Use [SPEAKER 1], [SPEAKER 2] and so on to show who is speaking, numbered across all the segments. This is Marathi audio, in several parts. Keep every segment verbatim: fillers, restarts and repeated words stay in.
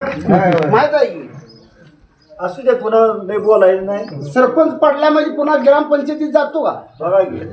[SPEAKER 1] माहित आहे की
[SPEAKER 2] असू दे, पुन्हा नाही बोलायचं नाही.
[SPEAKER 1] सरपंच पडला म्हणजे पुन्हा ग्रामपंचायतीत जातो का?
[SPEAKER 2] बघा की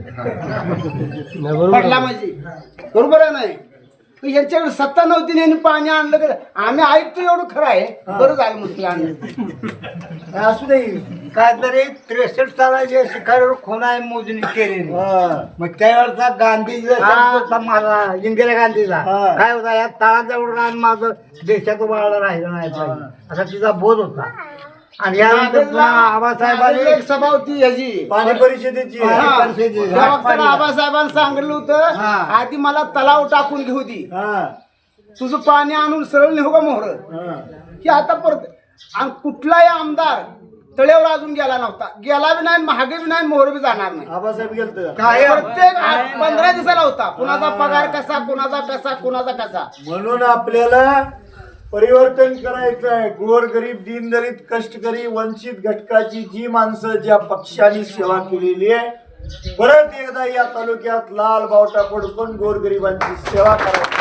[SPEAKER 1] पडला म्हणजे बरोबर आहे नाही. यांच्याकडे सत्ता नव्हती आणि यांनी पाणी आणलं का? आम्ही ऐकतो एवढं खरं आहे. बरं झालं म्हटलं आणलं.
[SPEAKER 2] असू दे.
[SPEAKER 3] काय तरी त्रेसष्ट सालाच्या शिखरावर खुणा मोजणी केलेली.
[SPEAKER 2] हा.
[SPEAKER 3] मग त्यावेळेचा गांधीजीचा शब्द होता माझा, इंदिरा गांधीचा
[SPEAKER 2] हा.
[SPEAKER 3] काय होता, या तळाजवळ रान माझं देशात उभारलं राहिलं नाही पाहिजे असा तिचा बोध होता. आणि यानंतर पुन्हा आबासाहेबांनी
[SPEAKER 1] एक सभा होती ह्याची
[SPEAKER 2] पाणी परिषदेची
[SPEAKER 1] हा.
[SPEAKER 3] परिषदेची.
[SPEAKER 1] त्या वक्ताला आबासाहेबांनी सांगितलं होतं
[SPEAKER 3] हा.
[SPEAKER 1] आधी मला तलाव टाकून घेऊ दे,
[SPEAKER 2] हा.
[SPEAKER 1] तुझं पाणी आणून सरळ नेऊ का मोहर.
[SPEAKER 2] हा.
[SPEAKER 1] की आता परत आणि कुठलाही आमदार तळेवर अजून गेला नव्हता, गेला बी नाही, महागे बी नाही, मोहर बी जाणार नाही.
[SPEAKER 2] आबासाहेब गेलत
[SPEAKER 3] काय
[SPEAKER 1] प्रत्येक आठ- पंधरा दिवसाला होता. कुणाचा पगार कसा, कुणाचा कसा, कुणाचा कसा.
[SPEAKER 2] म्हणून आपल्याला परिवर्तन करायचं आहे. गोरगरीब, दीनदलित, कष्टकरी, वंचित घटकाची जी माणसं ज्या पक्षाने सेवा केलेली आहे, परत एकदा या तालुक्यात लाल बावटा पडून गोरगरिबांची सेवा करायची.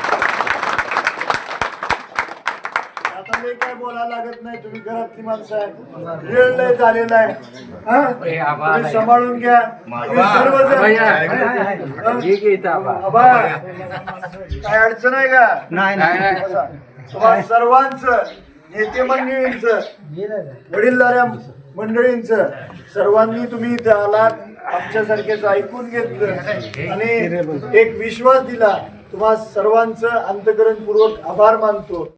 [SPEAKER 2] आता मी काय बोलायला लागत नाही, तुम्ही घरातली माणसं आहे, वेळ लय झालेला आहे. हा? तुम्ही सांभाळून घ्या. तुम्ही सर्वजण आबा, काय अडचण आहे का?
[SPEAKER 3] नाही नाही
[SPEAKER 2] बसा. तुम्हा सर्वांचं, नेते मंडळींचं, वडीलधाऱ्या मंडळींचं, सर्वांनी तुम्ही इथे आलात, आमच्यासारखेच ऐकून घेतलं आणि एक विश्वास दिला. तुम्हा सर्वांचं अंतःकरणपूर्वक आभार मानतो.